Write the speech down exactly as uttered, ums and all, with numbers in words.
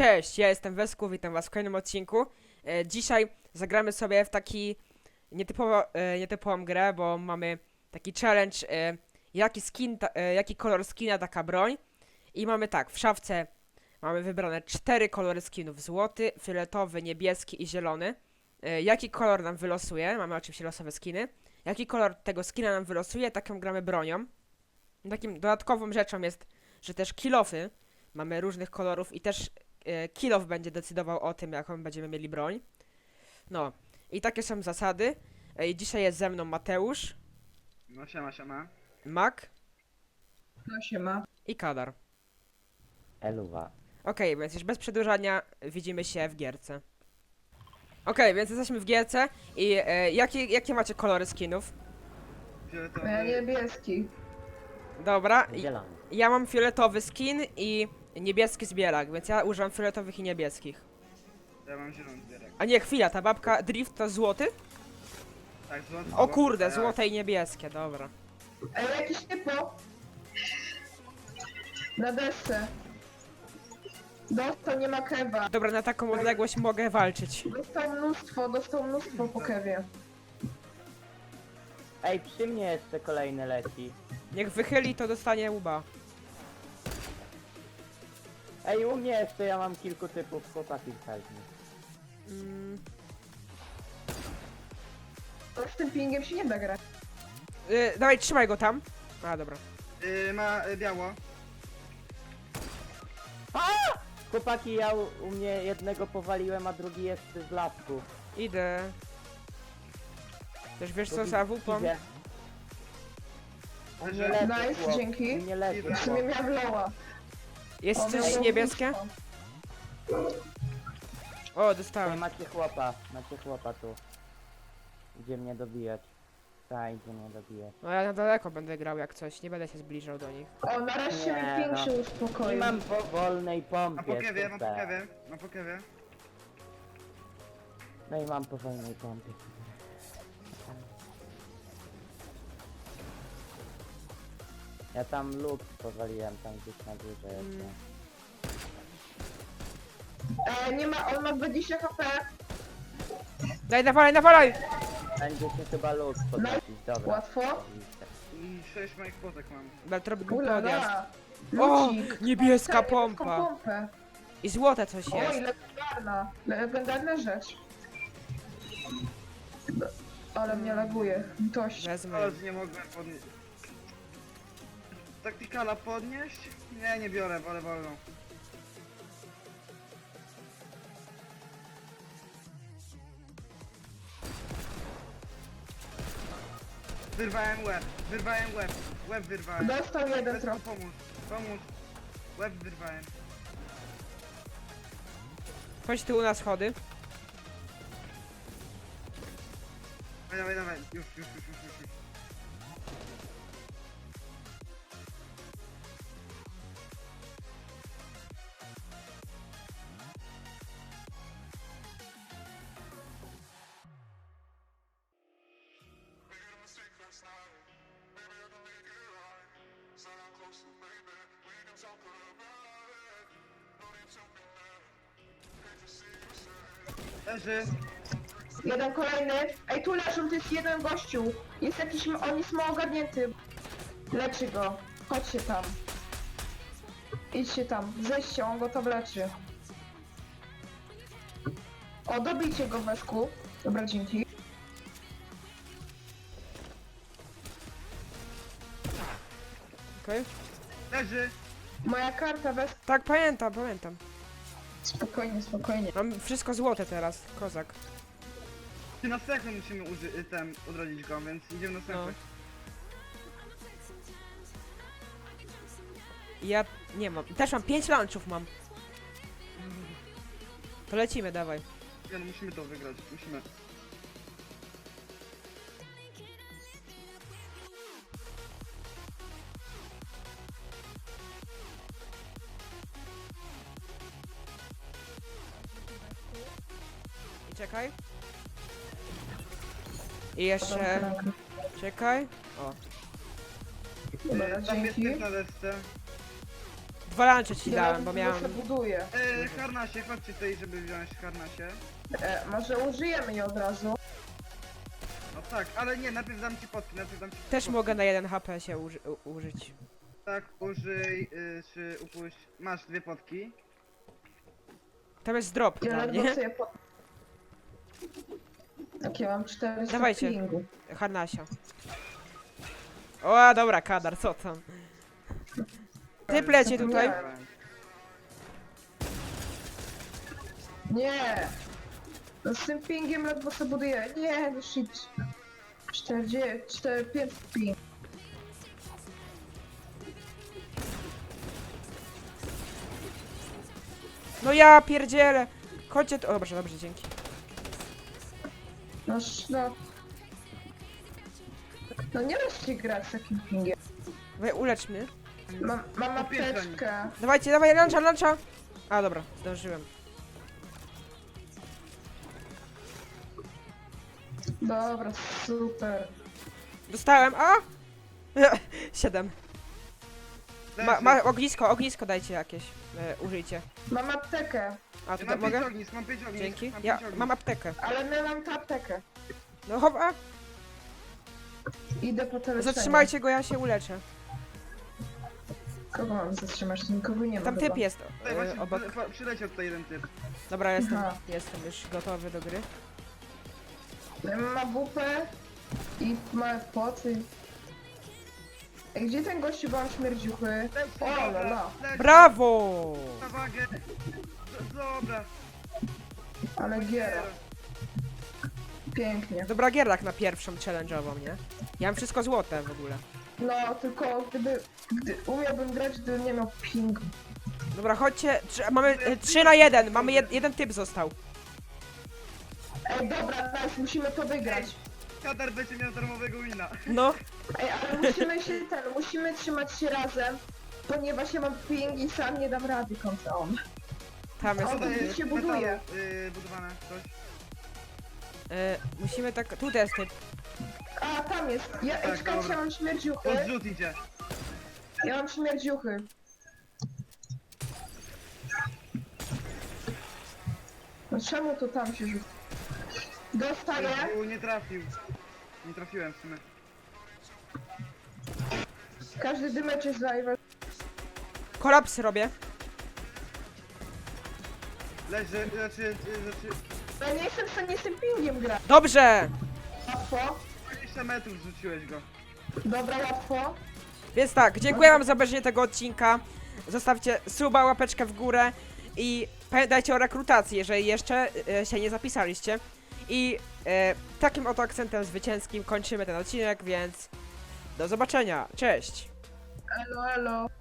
Cześć, ja jestem Wesku, witam was w kolejnym odcinku. E, dzisiaj zagramy sobie w taki nietypowo, e, nietypową grę, bo mamy taki challenge, e, jaki skin, ta, e, jaki kolor skina taka broń. I mamy tak, w szafce mamy wybrane cztery kolory skinów: złoty, fioletowy, niebieski i zielony. E, jaki kolor nam wylosuje? Mamy oczywiście losowe skiny. Jaki kolor tego skina nam wylosuje, taką gramy bronią. Takim dodatkową rzeczą jest, że też kilofy mamy różnych kolorów i też e, kilof będzie decydował o tym, jaką będziemy mieli broń. No, i takie są zasady. E, I dzisiaj jest ze mną Mateusz, No siema, siema. Mak No się ma. i Kadar. Eluwa. Okej, więc już bez przedłużania widzimy się w gierce. Okej, więc jesteśmy w gierce i e, jakie, jakie macie kolory skinów? Fioletowy. Ja niebieski. Dobra, i, Zielony. ja mam fioletowy skin i niebieski zbierak, więc ja używam fioletowych i niebieskich. Ja mam zielony zbierek. A nie, chwila, ta babka Drift to złoty? Tak, złoty. O kurde, tak. złote i niebieskie, dobra. Ej, jakiś typo. Na desce. Dostał, nie ma kewa. Dobra, na taką odległość mogę walczyć. Dostał mnóstwo, dostał mnóstwo po kewie. Ej, przy mnie jeszcze kolejny leci. Niech wychyli, to dostanie łba. Ej, u mnie jeszcze ja mam kilku typów chłopaki wchodzi. Mm, To z tym pingiem się nie da grać. y, dawaj, trzymaj go tam. A, dobra. Yy, ma y, biało. Chłopaki, ja u, u mnie jednego powaliłem, a drugi jest z lasku. Idę. Też wiesz co, Drugi za wupą? idzie. U mnie Nice, leży chłop. dzięki. U mnie leży W sumie chłop. miałem loła. Jest On coś miał niebieskie? mnóstwo. O, Ej, dostałem. macie chłopa, macie chłopa tu. Idzie mnie dobijać. Tak, idzie mnie dobijać. No ja na daleko będę grał jak coś, nie będę się zbliżał do nich. O, nareszcie Nie, mi ping no. się I uspokoił. mam po wolnej Mam pompie. po kewie, mam po super. kewie. Mam po kewie. No i mam po wolnej pompie. Ja tam luk powaliłem, tam gdzieś na górze jeszcze. E, nie ma, on ma dwadzieścia HP. Daj, nawalaj, nawalaj! Będzie się chyba luk podnosić, dobra. Łatwo. Oczywiście. I sześć moich potek mam. Będę robił głupi odjazd. Ulala. O, Lucik. niebieska Niebieską pompa. pompę. I złote coś Oj, jest. legendarna. Legendarna rzecz. Ale mnie laguje. Tość. Wezmę. Ale nie mogłem podnieść. Taktykala podnieść? Nie, nie biorę, wolę wolną. Wyrwałem łeb, wyrwałem łeb, łeb wyrwałem. Dostał jeden Wesku, trochę. pomóż, pomóż. Łeb wyrwałem. Chodź tu na schody. Dawaj, dawaj, dawaj, już, już, już, już, już. już. Leży. Jeden kolejny. Ej, tu leżą, to jest jeden gościu. Jest jakiś, on jest mało ogarnięty. Leczy go. Chodźcie tam. Idźcie tam. Zejdźcie, on go tam leczy. O, dobijcie go, Wesku. Dobra, dzięki. Okej? Leży. Moja karta, Wes... Tak, pamiętam, pamiętam. Spokojnie, spokojnie. Mam wszystko złote teraz, kozak. Czy na sekund musimy uży- ten, odrodzić go, więc idziemy na sekund. Ja nie mam. Też mam pięć lunchów mam. To lecimy, dawaj. Nie, no musimy to wygrać, musimy. I czekaj. I jeszcze. Czekaj. O. Dobra, Yy, tam jest dzięki. typ na desce. Dwa lunche ci Ja dałem, bo się miałem... buduję. E, harnasie, chodźcie tutaj, żeby wziąć harnasie. E, może użyjemy je od razu. No tak, ale nie, najpierw dam ci potki, najpierw dam ci Też potki. mogę na jeden H P się uży u- użyć. Tak, użyj, y, czy upuść. Masz dwie potki. Tam jest drop Ja dla ledwo mnie. sobie po... Takie mam czterysta Dawajcie. pingu. Harnasia. O, dobra, kadar, co tam? Ty plecie tutaj. Nie! No z tym pingiem ledwo sobie buduję. Nie, no shit. czterdzieści, cztery, pięć ping. No ja pierdzielę. Chodźcie tu. O, dobrze, dobrze, dzięki. No, sz- no. No nie da się grać z takim pingiem. Wy ulecz mnie. Mam, mam Po pierwsze apteczkę. Dawajcie, dawaj, luncha, luncha. A, dobra, zdążyłem. Dobra, super. Dostałem, a? Siedem. Ma, ma, ognisko, ognisko dajcie jakieś. E, użyjcie. Mam aptekę, A, Ja tutaj mam pięć mogę? ognisk, mam pięć ognisk. Dzięki. Mam Ja pięć ognisk. mam aptekę. ale my mam tę aptekę. No chowa. Idę po te leczenie. Zatrzymajcie go, ja się uleczę. Kogo mam zatrzymać? Tu nikogo nie ma. Tam typ chyba. jest Tutaj e, właśnie obok. przy- przyleciał tutaj jeden typ. Dobra, jestem, Aha. jestem już gotowy do gry. Ma bupę i ma poty. Ej, gdzie ten gościu, bo mam śmierdziuchy? Lecz, O, la, dobra, la. lecz, Brawo! na wagę. D- Dobra. Ale giera. Pięknie. Dobra gierlak na pierwszą challenge'ową, nie? Ja mam wszystko złote w ogóle. No, tylko gdyby... Gdy umiałbym grać, gdybym nie miał pingu. Dobra, chodźcie. Trz mamy e, trzy na jeden. Mamy jed jeden typ został. Ej, dobra, nice, musimy to wygrać. Kadar będzie miał darmowego wina. No. Ej, ale musimy się ten, musimy trzymać się razem, ponieważ ja mam ping i sam nie dam rady kontra on. Tam jest. O, Tutaj to jest się metalu, buduje. y, budowane coś. E, musimy tak. Tutaj jest typ. A, tam jest. Ja, Tak, ej, czekajcie, dobra. ja mam śmierdziuchy. Odrzut idzie. Ja mam śmierdziuchy. No czemu to tam się rzuca? Dostaję. U, nie trafił. Nie trafiłem w sumie. Każdy dymecz jest live. Kolaps robię. Leży, znaczy, y, znaczy... Ja nie jestem w stanie z tym pingiem grać. Dobrze! Łatwo. dwadzieścia metrów rzuciłeś go. Dobra, łatwo. Więc tak, dziękuję wam za obejrzenie tego odcinka. Zostawcie suba, łapeczkę w górę i pamiętajcie o rekrutacji, jeżeli jeszcze e, się nie zapisaliście. I e, takim oto akcentem zwycięskim kończymy ten odcinek, więc do zobaczenia. Cześć! Elo, elo.